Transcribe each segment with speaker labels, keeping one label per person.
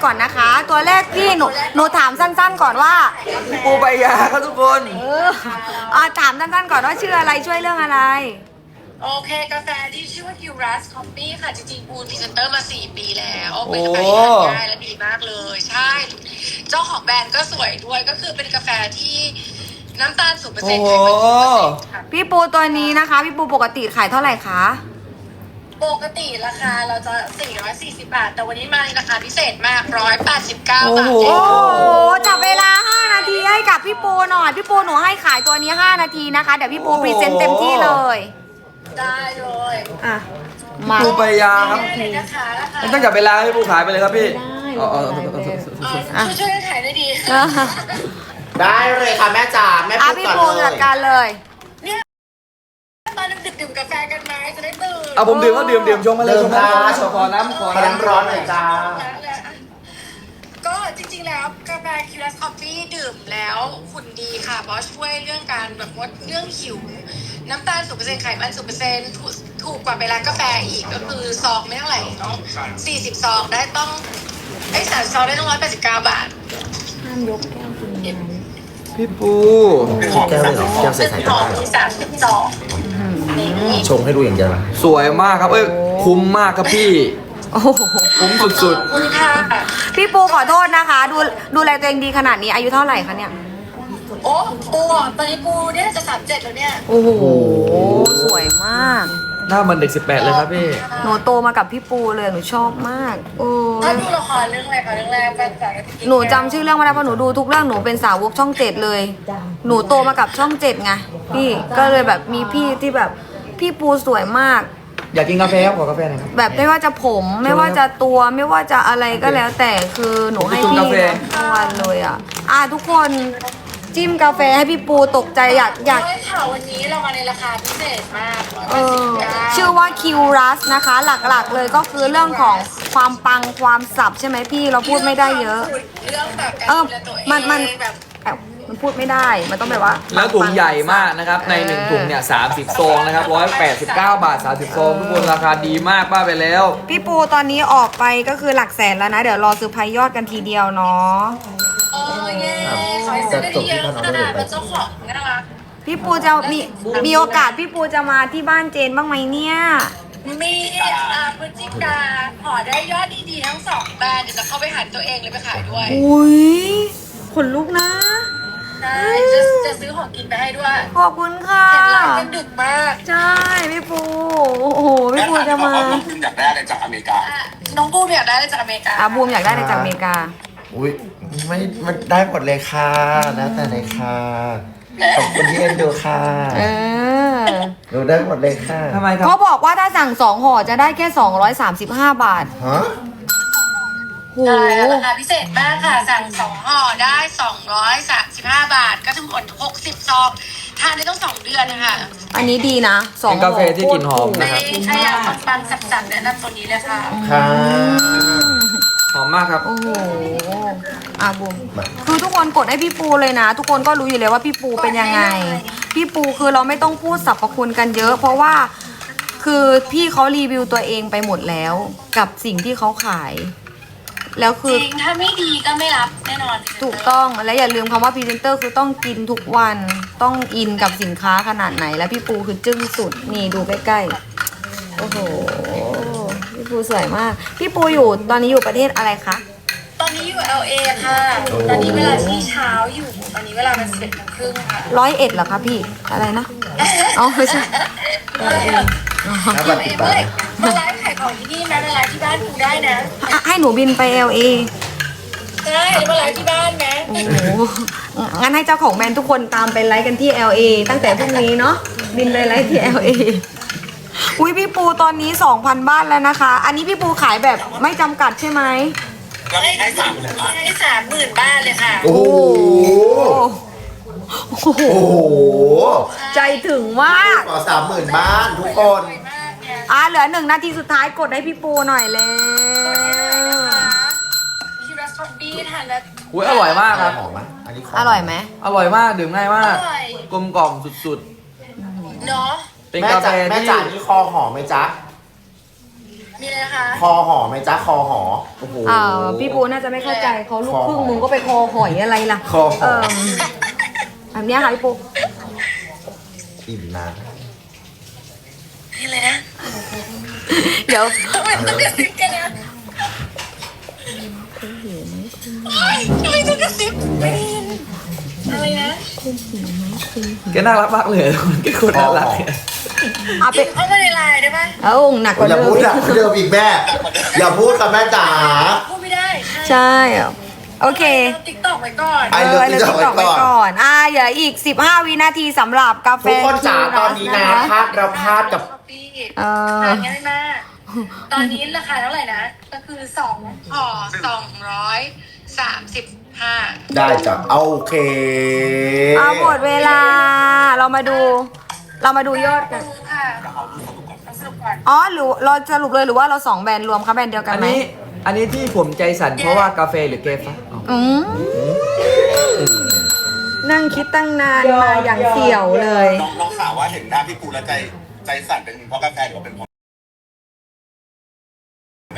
Speaker 1: ก่อนนะคะ ตัวแรกพี่หนูถามสั้นๆก่อนว่า
Speaker 2: ปูใบยาครับทุกคน
Speaker 1: ถามสั้นๆก่อนว่าชื่ออะไรช่วยเรื่องอะไร
Speaker 3: โอเคกาแฟที่ชื่อว่า Curas Coffee ค่ะ จริงๆปูนพรีเซนเตอร์มา 4 ปีแล้วเป็นกาแฟที่ทานง่ายและดีมากเลย ใช่ เจ้าของแบรนด์ก็สวยด้วยก็คือเป็นกาแฟที่น้ำตาล 0% ไขมัน 0% ค่ะ
Speaker 1: พี่ปูตัวนี้นะคะ พี่ปูปกติขายเท่าไหร่คะ
Speaker 3: ปกติราคาเราจะ 440 บาท แต่วันนี้มาในราคาพิเศษมาก 189 บาท
Speaker 1: โอ้โหจับเวลา 5 นาทีให้กับพี่ปูหน่อย พี่ปูหนูให้ขายตัวนี้ 5 นาทีนะคะ เดี๋ยวพี่ปูพรีเซนต์เต็มที่เลย
Speaker 3: ได้เลย
Speaker 1: อ่ะ มา
Speaker 2: ปูใบยาครับ
Speaker 3: ได้เลยนะคะราคา
Speaker 2: ไม่ต้องจับเวลาให้ปูขายไปเลยครับพี่อ๋อ
Speaker 3: ช่วยขายได้ดี
Speaker 4: ได้เลยค่ะแม่จ๋าแม่
Speaker 1: พี่
Speaker 4: พูด
Speaker 1: ปู
Speaker 4: ก่อนเล
Speaker 1: จัด
Speaker 4: ย
Speaker 1: การเลย
Speaker 3: เนี่ยตอนดึกดื่มกาแฟกันไหมจะได้ตื่น
Speaker 2: เอาผมดื่มก็ดื่มชงมาเลยชงมาเลยขอน้ำ
Speaker 4: ขอน้ำร้อนหน่อยจ้า
Speaker 3: ก็จริงๆแล้วกาแฟ Curas Coffee ดื่มแล้วหุ่นดีค่ะ เพราะช่วยเรื่องการแบบว่าเรื่องหิว น้ำตาล 0% ไขมัน 0% ถูกกว่าไปร้านกาแฟอีกก็คือซองไม่เท่าไหร่เนาะ40 ซองได้ต้อง30 ซองได้ต้อง189 บาท
Speaker 2: พี่ปู
Speaker 4: แก้วเลยเหรอแก้วใส่
Speaker 3: เป็นหอมที่30 ซองนี่
Speaker 4: ชงให้ดูอย่างเดียวนะ
Speaker 2: สวยมากครับคุ้มมากครับพี่
Speaker 1: โอ้โห
Speaker 2: คุ้มสุด
Speaker 3: ขอบคุณค่ะ
Speaker 1: พี่ปูขอโทษนะคะ ดูแลตัวเองดีขนาดนี้อายุเท่าไหร่คะเนี่ย
Speaker 3: โอ้ปูอ่ะตอนนี้ปูเนี่ยจะ37แล้วเนี่ย
Speaker 1: โอ้โห สวยมาก
Speaker 2: ๆหน้ามันเด็ก18เลยครับพี่
Speaker 1: หนูโตมากับพี่ปูเลย หนูชอบมาก โอ้
Speaker 3: ถ้าดูละครเรื่องอะไรคะเรื่องแรกแฟนๆก็จะกิ
Speaker 1: หนูจำชื่อเรื่องไม่ได้เพราะหนูดูทุกเรื่องหนูเป็นสาวกช่องเจ็ดเลย หนูโตมากับช่องเจ็ดไงพี่ ก็เลยแบบมีพี่ที่แบบพี่ปูสวยมาก
Speaker 2: อยากกินกาแฟครับขอกาแฟหน่อยครับ
Speaker 1: แบบไม่ว่าจะผมไม่ว่าจะตัวไม่ว่าจะอะไรก็แล้วแต่คือหนูให้พี่
Speaker 2: กาแฟ
Speaker 1: ทุกวันเลยทุกคนจิ้มกาแฟให้พี่ปูตกใจอยาก
Speaker 3: ใช่ค่ะวันนี้เรามาในราคาพิเศษมาก
Speaker 1: ชื่อว่าคิวรัสนะคะ หลักๆเลยก็คือเรื่องของความปังความสับใช่ไหมพี่เราพูดไม่ได้เยอะ
Speaker 3: เรื่องแบบการ
Speaker 1: เออ
Speaker 3: ดูแลตัวเอง
Speaker 1: มัน
Speaker 3: แบบ
Speaker 1: มันพูดไม่ได้มันต้องแบบว่า
Speaker 2: แล้วถุงใหญ่มากนะครับใน1ถุงเนี่ย30ซองนะครับ189 บาท30ซองทุกคนราคาดีมากป้าไปแล้ว
Speaker 1: พี่ปูตอนนี้ออกไปก็คือหลักแสนแล้วนะ เดี๋ยวรอซื้อพายยอดกันทีเดียวเนาะ
Speaker 3: เออเย้ขอให้ซื้อได้ทีเยอะค่ะเป็นเจ้าของน่ารัก
Speaker 1: พี่ปูจะมีโอกาสพี่ปูจะมาที่บ้านเจนบ้างไหมเนี่ย
Speaker 3: มีพฤศจิกาขอได้ยอดดีๆทั้ง2แบรนด์เดี๋ยวจะเข้าไปหันตัวเองเลยไปขายด้วย
Speaker 1: อุ้ยขนลุกนะ
Speaker 3: ใช่จะซื้อของกินไปให้ด้วย
Speaker 1: ขอบคุณค่ะ
Speaker 3: เห็นไลฟ์กันดึกมาก
Speaker 1: ใช่พี่ปูโอ้โหพี่ปูจะมา
Speaker 5: น้องพึ่งอยากได้อะไรจากอเมริกา
Speaker 3: น้องบูมอยากได้อะไรจากอเมริกา
Speaker 1: บูมอยากได้ในจากอเมริกา
Speaker 4: อุ้ยไม่ได้หมดเลยค่ะแล้วแต่เลยค่ะขอบคุณที่เอ็นดูค่ะ
Speaker 1: เออ
Speaker 4: หนูได้หมดเลยค่ะ
Speaker 2: ทำไมครับ
Speaker 1: เขาบอกว่าถ้าสั่ง2ห่อจะได้แค่235 บาท
Speaker 4: ฮะ
Speaker 1: โห
Speaker 3: ใช่ราคาพิเศษมากค่ะ สั่ง2ห่อได้235 บาท ก็ทั้งหมด60 ซอง ทานได้ต้อง2 เดือนนะคะ
Speaker 1: อันนี้ดีนะ2
Speaker 2: เป็นกาแฟที่กลิ่นหอมนะ
Speaker 3: ใครอยากปังๆสับๆแนะนำตัวนี้เลยค่ะ
Speaker 4: ค่ะ
Speaker 2: หอมมากครับ
Speaker 1: โอ้โหบูมคือทุกคนกดให้พี่ปูเลยนะ ทุกคนก็รู้อยู่แล้วว่าพี่ปูเป็นยังไง พี่ปูคือเราไม่ต้องพูดสรรพคุณกันเยอะ เพราะว่าคือพี่เขารีวิวตัวเองไปหมดแล้ว กับสิ่งที่เขาขาย แล้ว
Speaker 3: จ
Speaker 1: คือ
Speaker 3: ริง ถ้าไม่ดีก็ไม่รับแน่นอน
Speaker 1: ถูกต้องและอย่าลืมคำว่าพรีเซนเตอร์คือต้องกินทุกวันต้องอินกับสินค้าขนาดไหน แล้วพี่ปูคือจึ้งสุดนี่ดูใกล้ๆโอ้โหพี่ปูสวยมาก พี่ปูอยู่ตอนนี้อยู่ประเทศอะไรคะ
Speaker 3: ตอนนี้อยู่ LA ค่ะ ตอนนี้เวลาที่เช้าอยู่ ตอนนี้เวลาเป็น11:30ค่ะ
Speaker 1: 101เหรอคะพี่อะไรนะอ๋อไม่ใช่
Speaker 4: แล้วปฏิบัติ
Speaker 3: มาไลฟ์ขายของที่นี่นะมาไลฟ์ที่บ้านกูได้นะ
Speaker 1: ให้หนูบินไป LA
Speaker 3: ได้มาไลฟ์ที่บ้านนะ
Speaker 1: โอ้โหงั้นให้เจ้าของแบรนด์ทุกคนตามไปไลฟ์กันที่ LA ตั้งแต่พรุ่งนี้เนาะบินไปไลฟ์ที่ LA อุ้ยพี่ปูตอนนี้ 2,000 บ้านแล้วนะคะ อันนี้พี่ปูขายแบบไม่จำกัดใช่ไหม
Speaker 5: เรามีให้30,000 บาท
Speaker 3: ให้30,000 บ้านเลยค่ะ
Speaker 4: โอ้โห
Speaker 1: โอ้โห
Speaker 4: โอ้โห
Speaker 1: ใจถึงมาก
Speaker 4: ขอ30,000 บ้านทุกคน
Speaker 3: สวยมากเนี่ย
Speaker 1: เหลือ1 นาทีสุดท้ายกดให้พี่ปูหน่อยเลย
Speaker 3: ที่ร้านท็อปปี้ทานแล้ว
Speaker 2: อุ้ยอร่อยมากครับ
Speaker 4: หอมไหมอันนี้
Speaker 1: อร่อยไหม
Speaker 2: อร่อยมากดื่มง่ายมาก
Speaker 3: อร่อย
Speaker 2: กลมกล่อมสุด
Speaker 3: เนาะ
Speaker 2: ๆ เป็น
Speaker 4: แม่
Speaker 2: กาแฟ
Speaker 4: จ๋าแม่
Speaker 2: ที่
Speaker 4: จ๋านี่คอหอมไหมจ๊ะ
Speaker 3: มีอะไรนะคะ
Speaker 4: คอหอไหมจ๊ะคอหอ
Speaker 2: โอ้โห
Speaker 1: พี่ปูน่าจะไม่เข้าใจเขาลูกครึ่งมึงก็ไปคอหอยอะไรล่ะ
Speaker 4: คอหอย
Speaker 1: แบบเนี้ยค่ะพี่ปู
Speaker 4: อิ่มนะ
Speaker 3: มีอะไรนะ
Speaker 1: เดี๋ยว
Speaker 3: ทำไมต้องกระซิบกันนะทำไมต้องกระซิบไม่ได้ยินอะไรนะ
Speaker 2: แกน่ารักมากเลยแกคนน่ารักเนี่ย
Speaker 1: เอาไป
Speaker 3: เข้ามาในไลน์ได้ปะ
Speaker 1: เอาหนักกว่า
Speaker 4: อย่า
Speaker 1: เดิ
Speaker 4: พูด
Speaker 1: ม
Speaker 4: อะเดิมอีกแม่ อย่าพูดค่ะแม่จ๋า
Speaker 3: พูดไม่ได้
Speaker 1: ใช่โอเค
Speaker 3: ติ๊กต็อกไว้ก่อน
Speaker 4: ไอ้เลิฟ
Speaker 1: เลย
Speaker 4: TikTok
Speaker 1: ติ๊กต็อก
Speaker 4: ไว้
Speaker 1: ไว้
Speaker 4: ก่อน
Speaker 1: ก่อนเหลืออีก 15 วินาทีสำหรับกาแฟ
Speaker 4: ทุกคนจ๋าตอนนี้นะ
Speaker 1: คะ
Speaker 4: พลาดเราพลาดกับ
Speaker 3: ช้อปปี้
Speaker 1: อ
Speaker 3: ทานง่ายมาก ตอนนี้ราคาเท่าไหร่นะ ก็คือ2ห่อ235
Speaker 4: ได้จ้ะโอเค
Speaker 1: เอาหมดเวลาเรามาดูยอดกัน
Speaker 3: ค่ะสรุปก่อน
Speaker 1: อ๋อหรือเราสรุปเลยหรือว่าเรา2แบรนด์รวมคะแบรนด์เดียวกัน
Speaker 2: อัน
Speaker 1: ไหม
Speaker 2: นี้ที่ผมใจสั่นเพราะว่ากาแฟหรือเกฟะอ๋อ
Speaker 1: อืมนั่งคิดตั้งนานมาอย่างเสี่ยวเลย
Speaker 5: น้องสาวว่าเห็นหน้าพี่ปูแล้วใจสั่นเป็นเพราะกาแฟหรือว่าเป็นเพราะแม่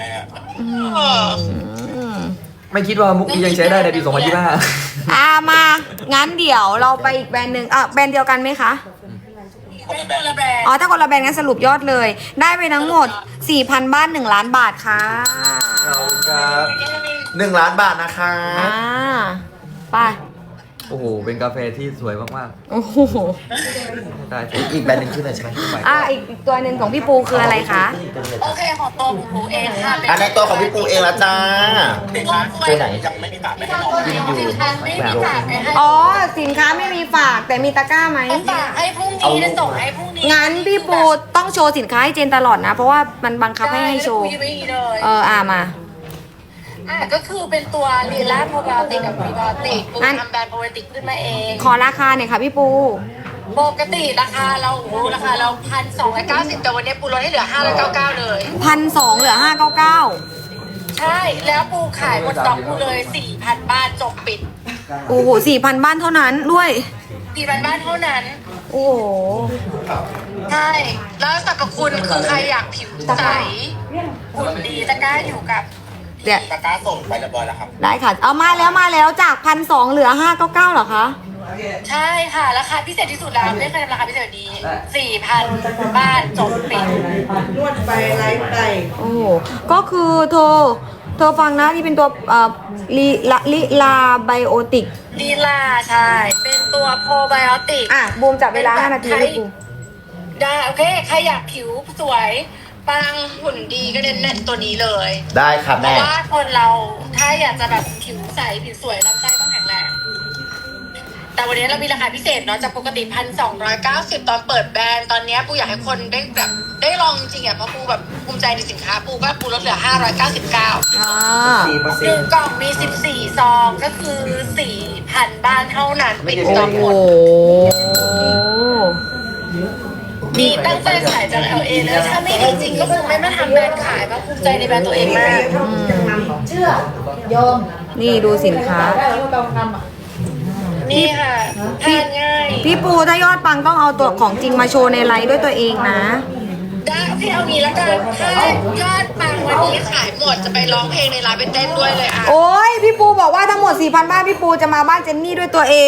Speaker 2: ไม่คิดว่ามุกนี้ยังใช้ได้ในปี 2025
Speaker 1: มางั้นเดี๋ยวเราไปอีกแบรนด์หนึ่งแบรนด์เดียวกันไหมคะ
Speaker 3: เป็นคนละแบรนด์
Speaker 1: อ๋อถ้าคนละแบรนด์งั้นสรุปยอดเลย ได้ไปทั้งหมด 4,000 บ้าน1 ล้านบาทค่ะ
Speaker 2: ขอบคุณครับ
Speaker 4: 1 ล้านบาทนะคะ
Speaker 1: ไป
Speaker 2: โอ้โห เป็นกาแฟที่สวยมาก
Speaker 1: โอ้โห
Speaker 2: ๆได้
Speaker 4: อีกแบรนด์หนึ่งชื่ออะไรใช่ไหม
Speaker 1: อีกตัวหนึ่งของพี่ปูคืออะไรคะ
Speaker 3: โอเคของตัวปูเองค่ะ
Speaker 4: อันในตัวของพี่ปูเองละจ้า
Speaker 5: ตัวไหนยังไม่มีตัดไม่ให้น้อง
Speaker 3: ไม่มีฝากไม่ให้
Speaker 1: อ๋อสินค้าไม่มีฝากแต่มีตะกร้าไหม
Speaker 3: ฝากให้พรุ่งนี้จะส่งให้พรุ่งนี้
Speaker 1: งั้นพี่ปูต้องโชว์สินค้าให้เจนตลอดนะ เพราะว่ามันบังคับให้โชว์
Speaker 3: ได้ไม่มีเลย
Speaker 1: มา
Speaker 3: ก็คือเป็นตัวลีลาโปรไบโอติกกับพรีไบโอติกปู
Speaker 1: งั้น
Speaker 3: ทำแบรนด์โปรไบโอติกขึ้นมาเอง
Speaker 1: ขอราคาหน่อยค่ะพี่ปู
Speaker 3: ปกติราคาเรา1,290แต่วันนี้ปูลดให้เหลือ599เลย
Speaker 1: 1,200เหลือ599
Speaker 3: ใช่แล้วปูขายหมดสต็อกปูเลย 4,000 บ้านจบปิด
Speaker 1: โอ้โห 4,000 บ้านเท่านั้นด้วย
Speaker 3: 4,000 บ้านเท่านั้น
Speaker 1: โอ้โห
Speaker 3: ใช่ แล้วสรรพคุณคือใครอยากผิวใสหุ่นดีตะกร้าอยู่กับ
Speaker 1: เดี๋ยว
Speaker 5: ตะกร้าส่งไปเรียบร้อยแล้วครับ
Speaker 1: ได้ค่ะ เอามาแล้วจาก 1,200เหลือ599เหรอคะ
Speaker 3: ใช่ค่ะ ราคาพิเศษที่สุดแล้วไม่เคยทำราคาพิเศษแบบนี้ 4,000 บ้านจบปิด
Speaker 1: โอ้โหก็คือเธอฟังนะที่เป็นตัวลิลาไบโอติก
Speaker 3: ลีลาใช่ เป็นตัวโปรไบโอติก
Speaker 1: บูมจับเวลา5 นาทีให้กู
Speaker 3: ได้โอเค ใครอยากผิวสวยปังหุ่นดีก็เน้นตัวนี้เลย
Speaker 4: ได้ค่ะ
Speaker 3: เพ
Speaker 4: แม่
Speaker 3: ราะว่าคนเราถ้าอยากจะแบบผิวใสผิวสวยลำไส้ต้องแข็งแรง แต่วันนี้เรามีราคาพิเศษเนาะจากปกติ1,290ตอนเปิดแบรนด์ตอนนี้ปูอยากให้คนได้แบบได้ลองจริงๆเพราะปูแบบภูมิใจในสินค้าปูก็ปูลดเหลือ599 หนึ่งกล่องมี14ซองก็คือ 4,000 บ้านเท่านั้นปิดสต็อกหมดมีตั้งใจขายจาก LA แล้วถ้าไม่ดีจริงก็คงไม่มาทำแบรนด์ขายเพราะภูมิใจในแบรนด์ตัวเองมาก
Speaker 1: นี่ดูสินค้า
Speaker 3: นี่ค่ะทานง่าย
Speaker 1: พี่ปูถ้ายอดปังต้องเอาตัวของจริงมาโชว์ในไลฟ์ด้วยตัวเองนะ
Speaker 3: ได้พี่เอางี้แล้วกันถ้ายอดปังวันนี้ขายหมดจะไปร้องเพลงในร้านไปเต้นด้วยเลยอ่ะ
Speaker 1: โอ้ยพี่ปูบอกว่าทั้งหมด 4,000 บ้านพี่ปูจะมาบ้านเจนนี่ด้วยตัวเอง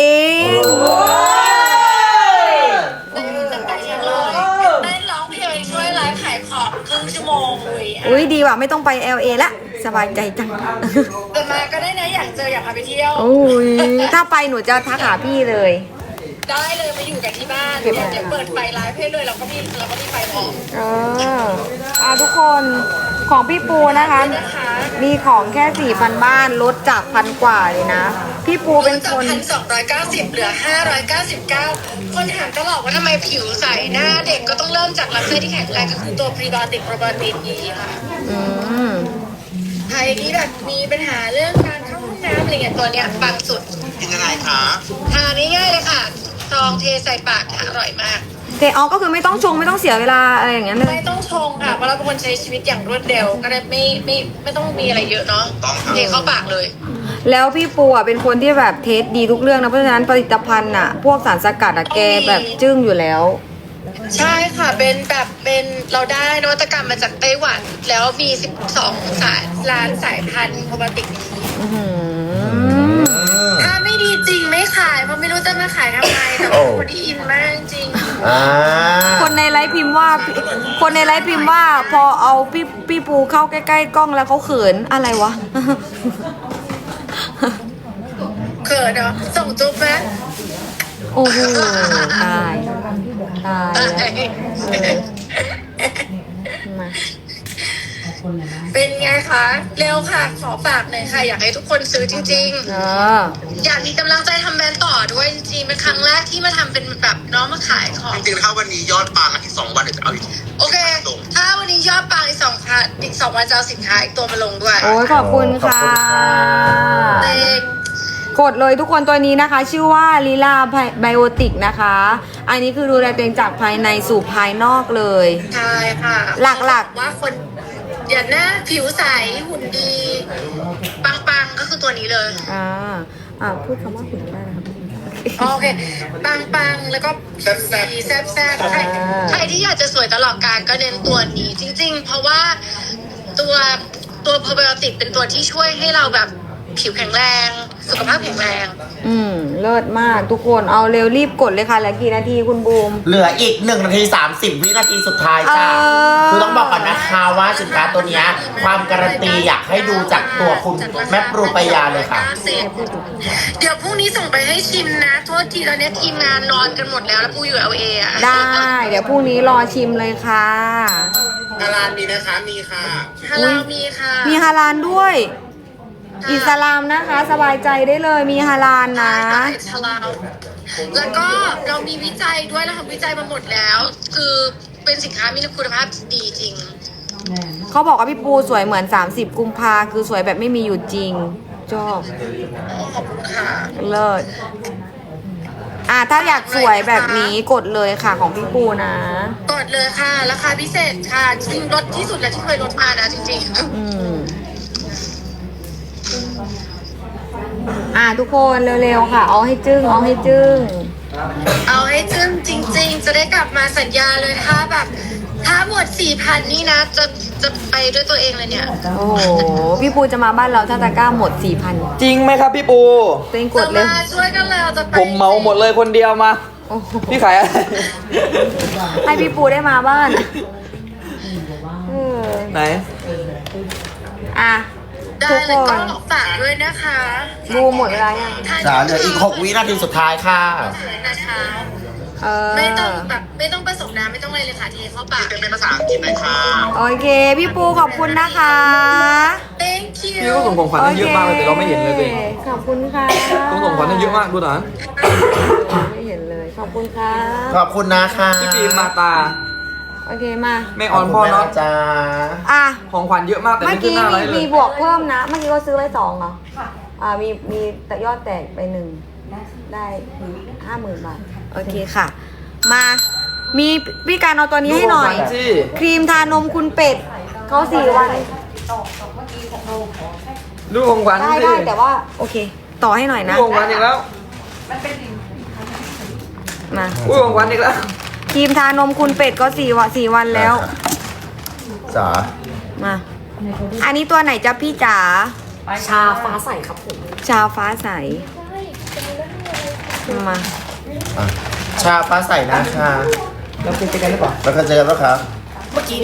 Speaker 3: เต้นจะไปเองเลยเต้นร้องเพลงช่วยไลฟ์ขายของครึ่งชั่วโมงเลย
Speaker 1: อุ้ยดีว่ะไม่ต้องไป LA ละสบายใจจัง
Speaker 3: แต่มาก็ได้นะอยากเจออยากพาไปเที่ยว
Speaker 1: โอ้ยถ้าไปหนูจะทักหาพี่เลย
Speaker 3: ได้เลยมาอยู่กันที่บ้านเดี๋ยวเปิดไฟไลฟ์ให้เลยเราก็มีไฟพร้อม
Speaker 1: ทุกคนของพี่ปูนะคะ
Speaker 3: นะคะ
Speaker 1: มีของแค่ 4,000 บ้านลดจาก1,000 กว่าเลยนะ พี่ปูเป็นคน
Speaker 3: 1,290เหลือ599คนถามตลอดว่าทำไมผิวใสหน้าเด็กก็ต้องเริ่มจากลำไส้ที่แข็งแรงก็คือตัวพรีไบโอติกโปรไบโอติกนี้ค่ะ
Speaker 1: อืม
Speaker 3: ใครที่แบบมีปัญหาเรื่องการเข้าห้องน้ำอะไรเงี้ยตัวเนี้ยปังสุด
Speaker 5: กินยังไงคะ
Speaker 3: ทานง่ายๆเลยค่ะซองเทใส่ปากอร่อยมาก
Speaker 1: ก็คือไม่ต้องชงไม่ต้องเสียเวลาอะไรอย่างเงี้ยเลย
Speaker 3: ไม่ต้องชงค่ะเพราะเราเป็นคนใช้ชีวิตอย่างรวดเร็วก็ได้ไม่ต้องมีอะไรเยอะเนาะเทเข้าปากเลย
Speaker 1: แล้วพี่ปูอ่ะเป็นคนที่แบบเทสดีทุกเรื่องนะเพราะฉะนั้นผลิตภัณฑ์อ่ะพวกสารสกัดอ่ะแกแบบจึ้งอยู่แล้ว
Speaker 3: ใช่ค่ะเป็นแบบเป็นเราได้นวัตกรรมมาจากไต้หวัน แล้วมี12ล้านสายพันธุ์โปรไบโอติก
Speaker 1: อื้อหือ
Speaker 3: ถ้าไม่ดีจริงไม่ขายเพราะไม่รู้จะมาขายทำไมแต่ว่าคนที่อินมากจริง
Speaker 4: อ่า
Speaker 1: คนในไลฟ์พิมพ์ว่า คนในไลฟ์พิมพ์ว่า พอเอาพี่ปูเข้าใกล้ๆกล้องแล้วเขาเขินอะไรวะ
Speaker 3: เขินเนาะส่งจุ๊บไหม
Speaker 1: โอ้โหตายตายมา
Speaker 3: เป็นไงคะเร็วค่ะ ขอฝากหน่อยค่ะ อยากให้ทุกคนซื้อจริง
Speaker 1: เออ
Speaker 3: ๆ อยากมีกำลังใจทำแบรนด์ต่อด้วยจริงๆเป็นครั้งแรกที่มาทำเป็นแบบน้องมาขายของ
Speaker 5: จริงๆถ้าวันนี้ยอดปังอีก2 วันเดี๋ยวจะเอาอีก
Speaker 3: โอเค ถ้าวันนี้ยอดปังอีก2 วันจะเอาสินค้าอีกตัวมาลงด้วย
Speaker 1: โอ้ยขอบคุณค่ะ
Speaker 3: เต็ง
Speaker 1: กดเลยทุกคนตัวนี้นะคะ ชื่อว่าลีลาไบโอติกนะคะ อันนี้คือดูแลตัวเองจากภายในสู่ภายนอกเลย
Speaker 3: ใช่ค่ะ
Speaker 1: หลักๆ
Speaker 3: ว่าคนอย่าหน้าผิวใสหุ่นดี ปังๆก็คือตัวนี้เลย
Speaker 1: พูดคำว่าหุ่นได้นะครับ
Speaker 3: โอเค ปังๆ แล้วก็ผิวดีแซ่บๆใครที่อยากจะสวยตลอดกาลก็เน้นตัวนี้ จริงๆ เพราะว่าตัวโปรไบโอติกเป็นตัวที่ช่วยให้เราแบบผิวแข็งแรง สุขภาพแข็งแรง
Speaker 1: เลิศมากทุกคนเอาเร็วรีบกดเลยค่ะเหลือกี่นาทีคุณบูม
Speaker 4: เหลืออีก1 นาที 30 วินาทีสุดท้ายจ้า คือต้องบอกก่อนนะคะว่าสินค้าตัวเนี้ยความการันตีอยากให้ดูจากตัวคุณแม่ปรูปยาเลยค่ะ
Speaker 3: เดี๋ยวพรุ่งนี้ส่งไปให้ชิมนะ โทษทีตอนนี้ทีมงานนอนกันหมดแล้วปูอยู่ LA อ่ะ
Speaker 1: ได้ เดี๋ยวพรุ่งนี้รอชิมเลยค่ะ
Speaker 5: ฮาลาลมีนะคะ มีค่ะ
Speaker 3: ฮัลโหลมีค่ะ
Speaker 1: มีฮาลาลด้วย อิสลามนะคะ สบายใจได้เลยมีฮาลาลนะ
Speaker 3: ชลาวแล้วก็เรามีวิจัยด้วยเราทำวิจัยมาหมดแล้ว คือเป็นสินค้ามีคุณภาพดีจริง
Speaker 1: เขาบอกว่าพี่ปูสวยเหมือน 30 กุมภาคือสวยแบบไม่มีอยู่จริงชอบ
Speaker 3: ขอบคุณค่ะ
Speaker 1: เลิศถ้าอยากสวยแบบนี้กดเลยค่ะของพี่ปูนะ
Speaker 3: กดเลยค่ะ ราคาพิเศษค่ะ จริงลดที่สุดแล้วที่เคยลดมานะจริงๆ
Speaker 1: ทุกคนเร็วๆค่ะ เอาให้จึ้งเอาให้จึ้ง
Speaker 3: เอาให้จึ้งจริง ๆ จะได้กลับมาสัญญาเลยถ้าแบบ ถ้าหมด 4,000 นี่นะจะไปด้วยตัวเองเลยเนี่ย
Speaker 1: โอ้โห พี่ปูจะมาบ้านเราถ้าตะกร้าหมด 4,000
Speaker 2: จริงไหมครับพี่ปู
Speaker 1: ตัวเองกดเลย
Speaker 3: จะมาช่วยกันแล้วจะไป
Speaker 2: ผมเมาหมดเลยคนเดียวมา
Speaker 1: โอ้โห
Speaker 2: พี่ขายอะไร
Speaker 1: ให้พี่ปูได้มาบ้านเออ
Speaker 2: ไหน
Speaker 3: ได้
Speaker 1: ทุก
Speaker 3: เลย
Speaker 1: ค
Speaker 3: ก็
Speaker 1: น
Speaker 3: ฝากด้วยนะคะ
Speaker 1: บูหมดเวลายัง
Speaker 4: จ้าเหลืออีก6 วินาทีสุดท้ายค่ะ
Speaker 3: นะคะ
Speaker 1: ไม่
Speaker 3: ไม่ต้องผสมน้ำไม่ต้องอะไรเลยค่ะเทเข้าปาก
Speaker 5: เป็นภาษาอังกฤษหน่อยค่ะ
Speaker 1: โอเค พี่ปูขอบคุณนะคะ
Speaker 3: thank you
Speaker 2: พี่ก็ส่งของขวัญให้เยอะมากเลยแต่เราไม่เห็นเลยตัวเอง
Speaker 1: ขอบคุณค่ะ
Speaker 2: ต้องส่งของขวัญให้เยอะมากดูนะ
Speaker 1: ไม่เห็นเลย ขอบคุณค่ะ
Speaker 4: ขอบคุณนะคะ
Speaker 2: พี่ฟิล์มมาตา
Speaker 1: โอเคมา
Speaker 2: แม่ออนพ่อเนาะ
Speaker 4: จ้า
Speaker 2: ของขวัญเยอะมากแต่
Speaker 1: เมื่
Speaker 2: ไม่
Speaker 1: อ
Speaker 2: ขึ้น
Speaker 1: กี้
Speaker 2: หน้าไล
Speaker 1: มี
Speaker 2: ฟ์เล
Speaker 1: มี
Speaker 2: ย
Speaker 1: บวกเพิ่มนะ เมื่อกี้ก็ซื้อไว้2เหรอมีแต่ยอดแตกไป1ได้50,000 บาท โอเคค่ะ มามีพี่การเอาตัวนี้ให้หน่อย
Speaker 2: ดูของขวัญสิ
Speaker 1: ครีมทานมคุณเป็ดเขา4 วัน
Speaker 2: ดูของขวัญ
Speaker 1: ได้
Speaker 2: สิ
Speaker 1: ได้แต่ว่า โอเค ต่อให้หน่อย
Speaker 2: ดู
Speaker 1: นะ
Speaker 2: ของขวัญอีกแล้ว
Speaker 1: มา
Speaker 2: อุ้ยของขวัญอีกแล้ว
Speaker 1: ครีมทานมคุณเป็ดก็4 วันแล้ว
Speaker 4: จ๋า
Speaker 1: มา อันนี้ตัวไหนจ๊ะพี่จ๋า
Speaker 6: ชาฟ้าใสครับผม
Speaker 1: ชาฟ้าใส มา
Speaker 4: ชาฟ้าใสนะคะ
Speaker 2: เราคุยกันหรือเปล่า
Speaker 4: แล้วก็เจอกันแล้วครับ
Speaker 6: เมื่อกี้